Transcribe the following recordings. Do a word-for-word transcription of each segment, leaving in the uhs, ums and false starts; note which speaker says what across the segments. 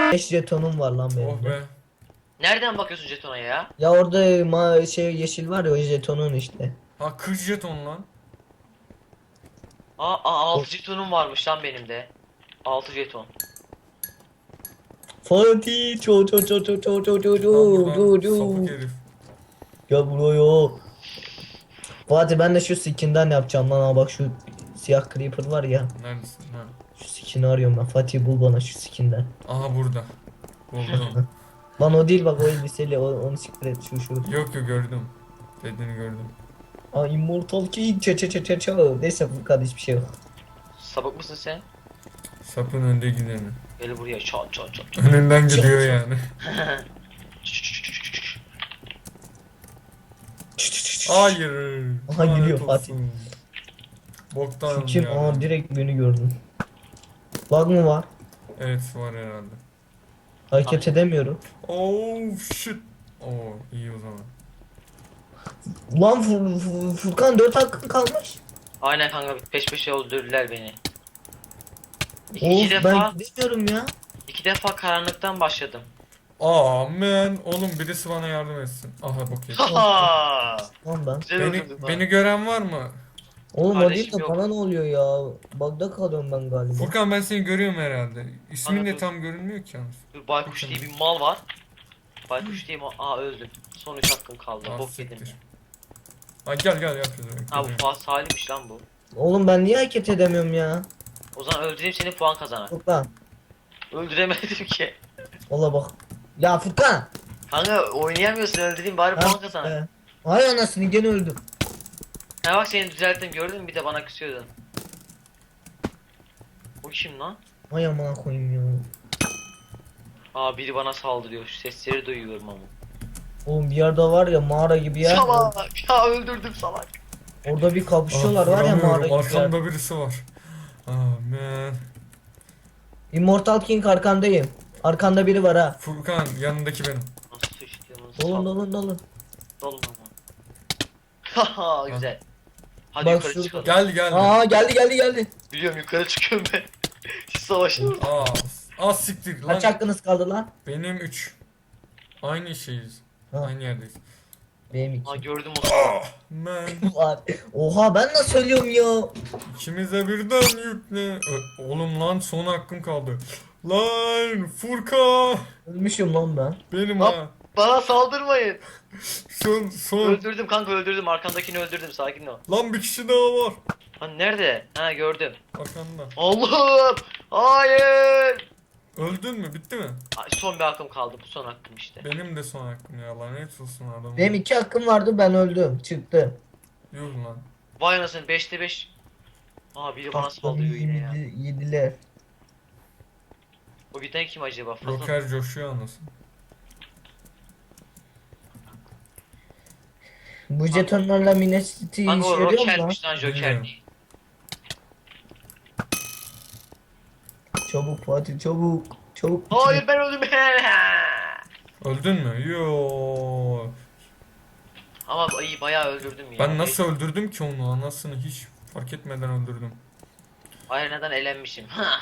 Speaker 1: beş jetonum var lan benim
Speaker 2: Oh
Speaker 1: de.
Speaker 2: be.
Speaker 3: Nereden bakıyorsun jetona ya?
Speaker 1: Ya orada ma şey yeşil var ya, o jetonun işte.
Speaker 2: Ha kırk jeton lan.
Speaker 3: Aa, aa altı jetonum varmış lan benim de. altı jeton.
Speaker 1: Fatih ço ço ço ço ço ço ço
Speaker 2: Lan
Speaker 1: ço
Speaker 2: buradan
Speaker 1: ço
Speaker 2: sapık
Speaker 1: ço.
Speaker 2: herif.
Speaker 1: Gel buraya. Fatih ben de şu skinden yapacağım lan, ha bak şu siyah creeper var ya.
Speaker 2: Neredesin? Ha.
Speaker 1: Şu skin'i arıyorum ben. Fatih bul bana şu skinden.
Speaker 2: Aha burada. Buldum.
Speaker 1: Lan o değil bak, o elbiseli, o, onu siktir et, şu şu.
Speaker 2: Yok yok gördüm. Dediğini gördüm.
Speaker 1: Aa Immortal King çe çe çe çe çe. Neyse bu kadar hiçbir şey yok.
Speaker 3: Sapık mısın sen?
Speaker 2: Sapın önde gideni.
Speaker 3: Gel buraya çat çat çat çat.
Speaker 2: Önünden gidiyor yani. Hayır.
Speaker 1: Aha, geliyor
Speaker 2: lanet
Speaker 1: Fatih.
Speaker 2: olsun. Boktan
Speaker 1: Şu kim?
Speaker 2: ya.
Speaker 1: Aa direkt beni gördün. Bug mı var?
Speaker 2: Evet var herhalde.
Speaker 1: Hareket edemiyorum.
Speaker 2: Oh shit. Oo iyi o zaman.
Speaker 1: Lan Fur Fur Furkan dört hakkın kalmış.
Speaker 3: Aynen kanka peş peşe öldürdüler beni. İki,
Speaker 1: Of
Speaker 3: iki defa
Speaker 1: ben gidemiyorum ya.
Speaker 3: iki defa karanlıktan başladım.
Speaker 2: Amen. Oğlum birisi bana yardım etsin. Aha bok yedim.
Speaker 3: Haha.
Speaker 1: Lan ben.
Speaker 3: Güzel
Speaker 2: Beni,
Speaker 3: öldürdün lan.
Speaker 2: beni gören var mı?
Speaker 1: Oğlum o
Speaker 3: Kardeşim
Speaker 1: değil de
Speaker 3: yok.
Speaker 1: bana ne oluyor ya? Bug'da kalıyorum ben galiba.
Speaker 2: Furkan ben seni görüyorum herhalde. İsmin de
Speaker 3: Anladım.
Speaker 2: tam görünmüyor ki yalnız.
Speaker 3: Dur Baykuş diye bir mal var. Baykuş diye mal. Aa öldüm. Son üç hakkım kaldı.
Speaker 2: Ah,
Speaker 3: Bok yedim.
Speaker 2: siktir. Ha gel gel yapıyoruz.
Speaker 3: Ha bu Fuat Salih'miş lan bu.
Speaker 1: Oğlum ben niye hareket edemiyorum ya?
Speaker 3: O zaman öldüreyim seni puan kazanar.
Speaker 1: Furkan.
Speaker 3: Öldüremedim ki.
Speaker 1: Valla bak. Ya Furkan.
Speaker 3: Kanka oynayamıyorsun öldüreyim bari
Speaker 1: Ha,
Speaker 3: puan kazanar.
Speaker 1: e. Ay anasını gene öldüm.
Speaker 3: Ha bak seni düzelttim gördün mü bir de bana küsüyordun. Bu kim lan?
Speaker 1: Ay amına koyayım ya.
Speaker 3: Aa biri bana saldırıyor. Şu sesleri duyuyorum ama.
Speaker 1: Oğlum bir yerde var ya, mağara gibi yer.
Speaker 3: Salak ya öldürdüm salak.
Speaker 1: Orada bir kapışıyorlar var ya, mağara gibi yer.
Speaker 2: Arkamda birisi var. Amen.
Speaker 1: Immortal King arkandayım. Arkanda biri var ha.
Speaker 2: Furkan yanındaki benim.
Speaker 3: Nasıl sıçtığımı
Speaker 1: Dolun
Speaker 3: sal.
Speaker 1: dolun dolun.
Speaker 3: Dolun ama. Haha güzel. Hadi
Speaker 1: Bak
Speaker 3: yukarı
Speaker 1: şurada.
Speaker 3: çıkalım.
Speaker 2: Gel gel.
Speaker 1: Aa geldi geldi geldi.
Speaker 3: Biliyorum yukarı çıkıyorum ben. Siz savaşın.
Speaker 2: Aa, az siktir lan.
Speaker 1: Kaç hakkınız kaldı lan?
Speaker 2: Benim üç. Aynı şeyiz.
Speaker 1: Ha.
Speaker 2: Aynı yerdeyiz.
Speaker 1: Benim
Speaker 3: Aa
Speaker 1: iki.
Speaker 3: gördüm o salak.
Speaker 2: Man.
Speaker 1: Var. Oha ben nasıl söylüyorum ya?
Speaker 2: İkimize birden yükle. Ö- Oğlum lan son hakkım kaldı. Lan Furkan.
Speaker 1: Ölmüşüm lan ben.
Speaker 2: Benim
Speaker 3: Lan.
Speaker 2: ha.
Speaker 3: Bana saldırmayın.
Speaker 2: Son son.
Speaker 3: Öldürdüm kanka öldürdüm. Arkamdakini öldürdüm. Sakin ol.
Speaker 2: Lan bir kişi daha var.
Speaker 3: Lan nerede? Ha gördüm.
Speaker 2: Arkanda.
Speaker 3: Allah'ım. Hayır.
Speaker 2: Öldün mü? Bitti mi?
Speaker 3: Ay, son bir hakkım kaldı. Bu son hakkım işte.
Speaker 2: Benim de son hakkım ya. Lanet olsun adam.
Speaker 1: Benim iki hakkım vardı, ben öldüm. Çıktı.
Speaker 2: Yuh lan.
Speaker 3: Vay anasını beşte beş. Aa biri bana saldırıyor yine ya.
Speaker 1: Yedi- Yediler.
Speaker 3: O giden kim acaba? Fazla...
Speaker 2: Joker coşuyor anasını.
Speaker 1: Bu jetonlarla Minecity
Speaker 3: Kanka
Speaker 1: işe
Speaker 3: o
Speaker 1: yarıyor mu lan?
Speaker 3: Roker'miş lan Joker
Speaker 2: Bilmiyorum.
Speaker 3: değil.
Speaker 1: Çabuk Fatih çabuk. Çabuk.
Speaker 3: Hayır ben öldüm.
Speaker 2: Öldün mü? Yo.
Speaker 3: Ama iyi bayağı öldürdüm ya.
Speaker 2: Ben nasıl öldürdüm ki onu? Anasını hiç fark etmeden öldürdüm.
Speaker 3: Arena'dan elenmişim. Ha.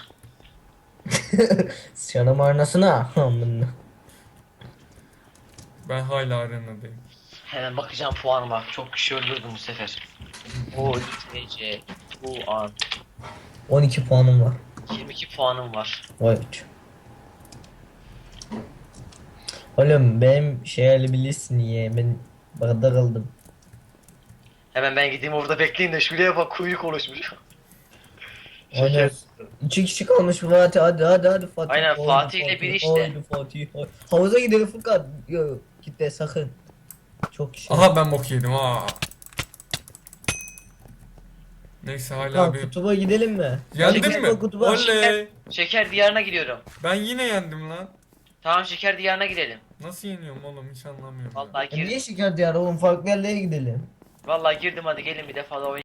Speaker 1: Sıçanım arnasına. Amına.
Speaker 2: Ben hala arenadayım.
Speaker 3: Hemen bakacağım puanıma. Çok kişi öldürdüm bu sefer. O T C bu an
Speaker 1: on iki puanım var.
Speaker 3: yirmi iki puanım var.
Speaker 1: Vay uç. Oğlum benim şey bilirsin ya, ben bagda kaldım.
Speaker 3: Hemen ben gideyim orada bekleyin de şuraya bak kuyruk oluşmuş.
Speaker 1: Aynen.
Speaker 3: Şeker.
Speaker 1: İki kişi kalmış Fatih, hadi hadi hadi Fatih.
Speaker 3: Aynen,
Speaker 1: Haydi
Speaker 3: Fatih ile biri işte.
Speaker 1: Haydi Fatih. haydi. Havuza gidelim Furkan. Yok gitme sakın. Çok kişi.
Speaker 2: Aha ben bok yedim ha. Neyse hala
Speaker 1: Furkan
Speaker 2: bir...
Speaker 1: kutuba gidelim mi?
Speaker 2: Yendin
Speaker 1: Hadi
Speaker 2: mi?
Speaker 1: kutuba.
Speaker 2: Oley.
Speaker 3: Şeker diyarına gidiyorum.
Speaker 2: Ben yine yendim lan.
Speaker 3: Tamam şeker diyarına gidelim.
Speaker 2: Nasıl yeniyorum oğlum hiç anlamıyorum. ya.
Speaker 3: Vallahi
Speaker 1: E niye
Speaker 3: girdim.
Speaker 1: şeker diyarı oğlum, farklı yerlere gidelim.
Speaker 3: Vallahi girdim hadi gelin bir defa da oynayalım.